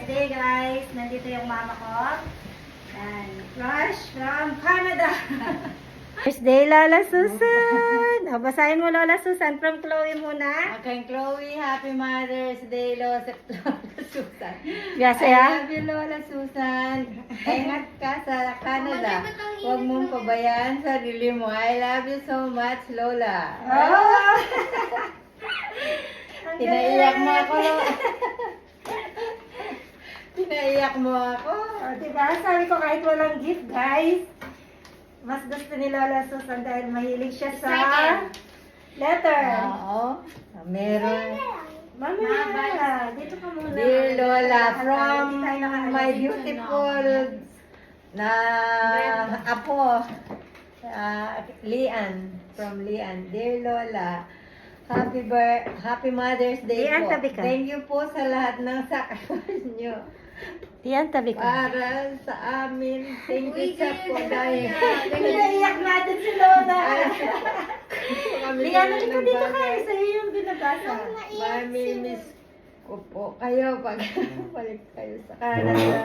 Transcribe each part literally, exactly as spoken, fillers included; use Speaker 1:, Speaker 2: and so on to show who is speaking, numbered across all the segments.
Speaker 1: birthday, guys. Nandito yung mama ko. Yan. Flash from Canada. Birthday, Lola Susan. O, basahin mo, Lola Susan. From Chloe muna.
Speaker 2: Okay, Chloe, happy Mother's Day, Lola Susan.
Speaker 1: Yes,
Speaker 2: I
Speaker 1: ya.
Speaker 2: love you, Lola Susan. Ingat ka sa Canada. Huwag mong pabayaan sarili mo. I love you so much, Lola.
Speaker 1: Oh!
Speaker 2: Pinaiyak mo ako, Lola. Pinaiyak mo ako.
Speaker 1: O, diba? Sabi ko kahit walang gift, guys. Mas gusto ni Lola Susan dahil mahilig siya sa letter.
Speaker 2: Oo. Meron.
Speaker 1: Mamaya, dito ka muna.
Speaker 2: Dear Lola, from
Speaker 1: Hindi tayo nakaalis.
Speaker 2: my beautiful na apo, uh, Lian, from Lian. Dear Lola, happy bir happy Mother's Day
Speaker 1: Lian,
Speaker 2: po.
Speaker 1: tabi ka.
Speaker 2: Thank you po sa lahat ng sacrifice nyo
Speaker 1: Tiyan, tabi ko.
Speaker 2: para sa amin. Thank you sa po dahil
Speaker 1: Pinaiyak natin si Lola.
Speaker 2: kami
Speaker 1: Lian,
Speaker 2: na
Speaker 1: halika
Speaker 2: ng
Speaker 1: dito ka.
Speaker 2: bagay.
Speaker 1: Sa'yo yung binabasa.
Speaker 2: Mami-miss ko po kayo pag balik kayo sa Canada.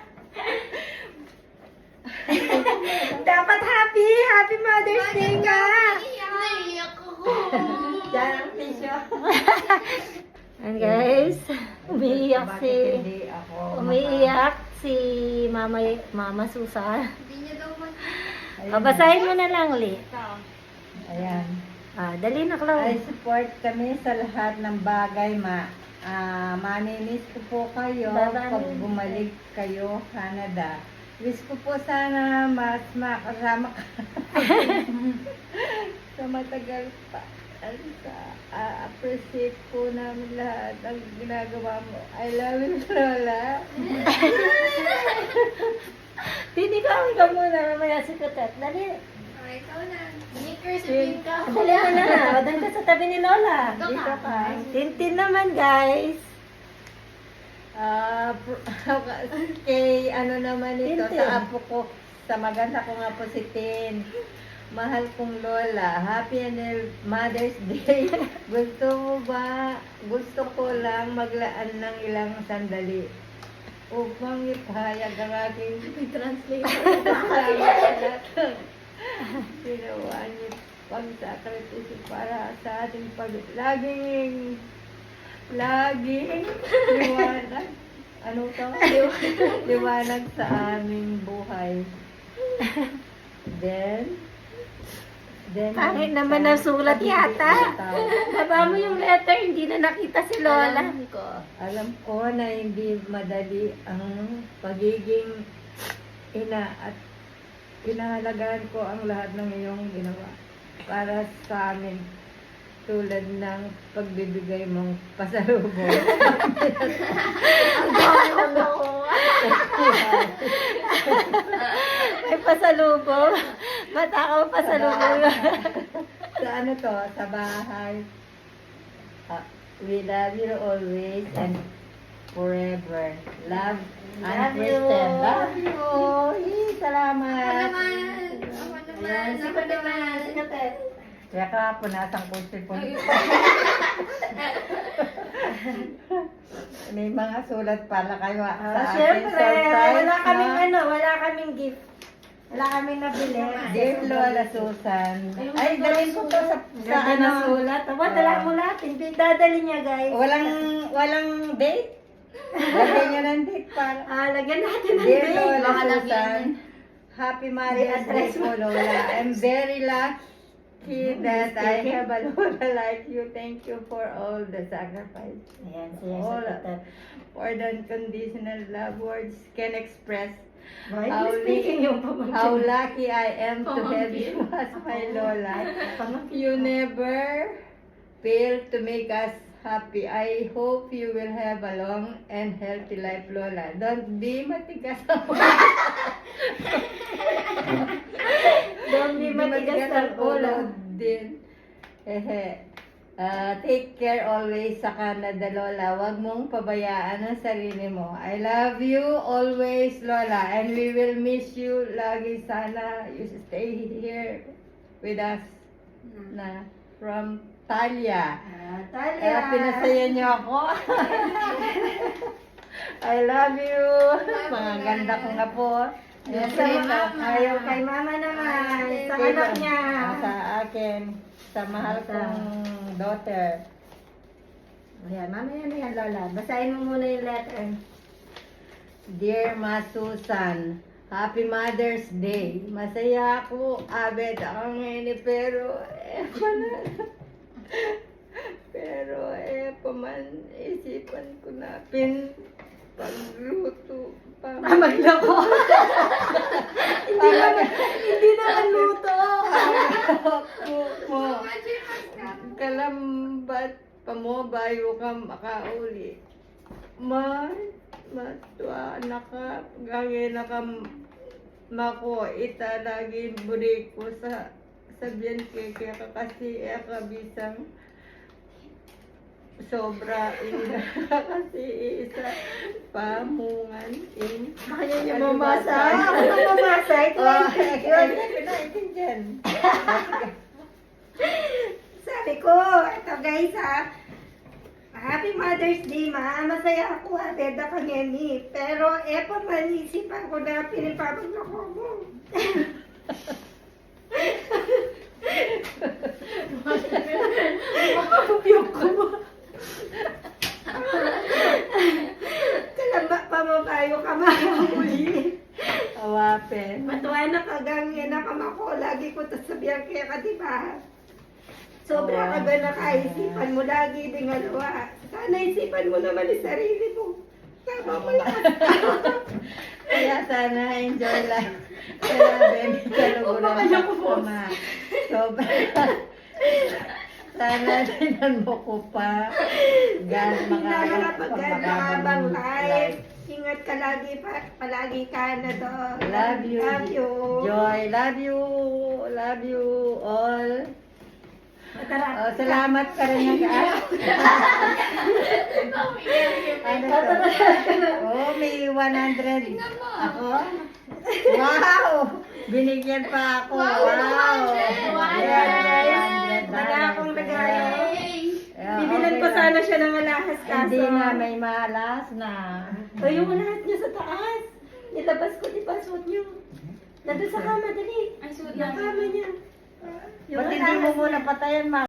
Speaker 1: Dapat happy! Happy Mother's Day ka!
Speaker 3: Naiyak ako.
Speaker 2: Diyan ang pisyo.
Speaker 1: And guys, umiiyak
Speaker 2: Bakit
Speaker 1: si...
Speaker 2: hindi ako
Speaker 1: Umiiyak si Mama, Mama Susan.
Speaker 3: Hindi niya daw man.
Speaker 2: Ayun.
Speaker 1: Babasahin mo na lang, Li.
Speaker 2: Ayan.
Speaker 1: Ah, dali na,
Speaker 2: I
Speaker 1: Chloe.
Speaker 2: support kami sa lahat ng bagay, ma. Ah, mamimiss ko po kayo
Speaker 1: Bye-bye.
Speaker 2: pag bumalik kayo Canada. Wish ko po sana mas makasama ka sa matagal pa. Ano sa ah, appreciate po namin lahat ang ginagawa mo. I love you, Lola.
Speaker 1: Hindi ka, ka muna. Mamaya si Kutet. Dali.
Speaker 3: Oh, ikaw na. Sneakers, sabihin ka.
Speaker 1: Dali mo na na. O, doon ka sa tabi ni Lola.
Speaker 3: Dito
Speaker 1: Dito
Speaker 3: ka.
Speaker 1: ka. Tintin naman, guys.
Speaker 2: Ah, pr- kay ano naman ito,
Speaker 1: Tintin.
Speaker 2: sa apo ko, sa maganda ko nga po si Tin. Mahal kong Lola, happy and Mother's Day. Gusto mo ba, gusto ko lang maglaan ng ilang sandali upang ipahayag ang aking translator. Salamat sa lahat ng ginawa niyo pagsakripisyo para sa ating pag... Laging Laging liwanag. Ano to? Liwanag sa aming buhay. Then, then
Speaker 1: Pangit naman ang sulat yata. Baba mo yung letter, hindi na nakita si Lola.
Speaker 2: Alam ko, alam ko na hindi madali ang pagiging ina at pinahalagaan ko ang lahat ng iyong ginawa para sa amin, tulad ng pagbibigay mong pasalubong.
Speaker 1: Ang dami ng nakuha. May pasalubong. Matakaw pasalubong.
Speaker 2: Sa ano to, sa bahay. Ah, we love you always and forever. Love,
Speaker 1: Love
Speaker 2: Aunt
Speaker 1: you.
Speaker 2: Kristen. Love you. Yee,
Speaker 3: Ako
Speaker 2: salamat.
Speaker 3: naman. Ako naman.
Speaker 1: Si
Speaker 3: Ako
Speaker 1: Kutet
Speaker 3: naman.
Speaker 1: naman. Si Kutet.
Speaker 2: Kaya ka, punasang kutsi po. May mga sulat pala kayo ah, sa
Speaker 1: Ah,
Speaker 2: akin.
Speaker 1: syempre,
Speaker 2: Surprise,
Speaker 1: wala kaming
Speaker 2: no?
Speaker 1: ano, wala kaming gift. Wala kaming nabili.
Speaker 2: Dear Lola Susan. Ay, dalhin ko to sa, sa
Speaker 1: Sa
Speaker 2: ano.
Speaker 1: sulat. Aba, dala mo lahat. Hindi dadali niya, guys.
Speaker 2: Walang, walang date? Lagyan nyo ng date para.
Speaker 1: Ah, lagyan natin ng
Speaker 2: Dear
Speaker 1: date.
Speaker 2: Lola
Speaker 3: baka lagyan
Speaker 2: Susan, happy Mother's Day
Speaker 1: address
Speaker 2: po, Lola. I'm very lucky that I have a Lola like you. Thank you for all the sacrifice.
Speaker 1: Ayan, siya sa
Speaker 2: All
Speaker 1: Kutet.
Speaker 2: for the unconditional love words can express
Speaker 1: Why
Speaker 2: how,
Speaker 1: is speaking yung pamangkin?
Speaker 2: how lucky I am to have you as my Lola. You never fail to make us happy. I hope you will have a long and healthy life, Lola. Don't be matigas ang
Speaker 1: Don't be matigas ng ulo.
Speaker 2: din. Ehe. Ah, take care always sa Canada, Lola. Huwag mong pabayaan ang sarili mo. I love you always, Lola. And we will miss you lagi. Sana you stay here with us. Na from Talia.
Speaker 1: Ah, Talia.
Speaker 2: Kaya pinasaya niyo ako. I love you. Mga ganda ko nga po. Ayan,
Speaker 1: Sa
Speaker 2: Prito.
Speaker 1: mama. Ayaw kay mama naman. Sa
Speaker 2: Prito.
Speaker 1: anak niya.
Speaker 2: Ah, Sa akin. Sa mahal kong daughter.
Speaker 1: Ayan, mamaya na yan, Lola. Basahin mo muna yung letter.
Speaker 2: Dear Ma Susan, Happy Mother's Day. Masaya ako, abet ako ngayon eh, pero eh, pana. Pero eh, paman, isipan ko na pin pagluto pa.
Speaker 1: Ah, maglako. Hindi naman, hindi naman luto.
Speaker 2: mo. Kalambat pa mo, bayo ka makauli. Ma, matwa na ka, gagi na ka mako, ita lagi buri ko sa sabihan kaya ka kasi eh, kabisang sobra ina kasi isa pamungan in
Speaker 1: Kaya niya mamasa. Ako na mamasa. Ito
Speaker 2: Oh,
Speaker 1: ay
Speaker 2: yun, pinaitindihan.
Speaker 1: Sabi ko, ito guys ha. Happy Mother's Day, ma. Masaya ako ha. Beda ka niya ni. Pero eh pa manisipan ko na pinipapaglako mo. Makapupiyok ko mo. Kalamba pa mo kayo kamahuli.
Speaker 2: Awapin.
Speaker 1: Matuwa na kagang yan na kamako. Lagi ko tasabihan kaya ka, diba? Sobra ka ba nakaisipan mo lagi din alawa. Sana isipan mo naman yung sarili mo. Tama mo lahat.
Speaker 2: Kaya sana enjoy life. Kaya baby, kaluguran
Speaker 1: Umakaya
Speaker 2: ko
Speaker 1: ko, boss.
Speaker 2: ma. Sobra. Sana tinan mo ko pa. Gan
Speaker 1: Lalo na pag nakabang life.
Speaker 2: life.
Speaker 1: Ingat ka lagi pa. Palagi ka na to.
Speaker 2: Love you.
Speaker 1: Love you.
Speaker 2: Joy, love you. Love you all.
Speaker 1: Tara.
Speaker 2: Oh, salamat ka rin ng ano to? Oh, may one hundred. Ako? Wow! Binigyan pa ako. Wow!
Speaker 3: one hundred.
Speaker 2: Yeah,
Speaker 1: Wala akong regalo.
Speaker 2: Yeah,
Speaker 1: Bibilan
Speaker 2: okay
Speaker 1: ko
Speaker 2: lang.
Speaker 1: sana siya ng alahas kaso.
Speaker 2: Hindi na, may malas na.
Speaker 1: Tayo mo lahat niya sa taas. Nilabas ko, di ba? Suot niyo. Nandun sa kama, dali.
Speaker 3: Ay, suot
Speaker 1: Yung
Speaker 3: namin.
Speaker 1: kama niya.
Speaker 2: Ba't hindi mo muna patayan, ma?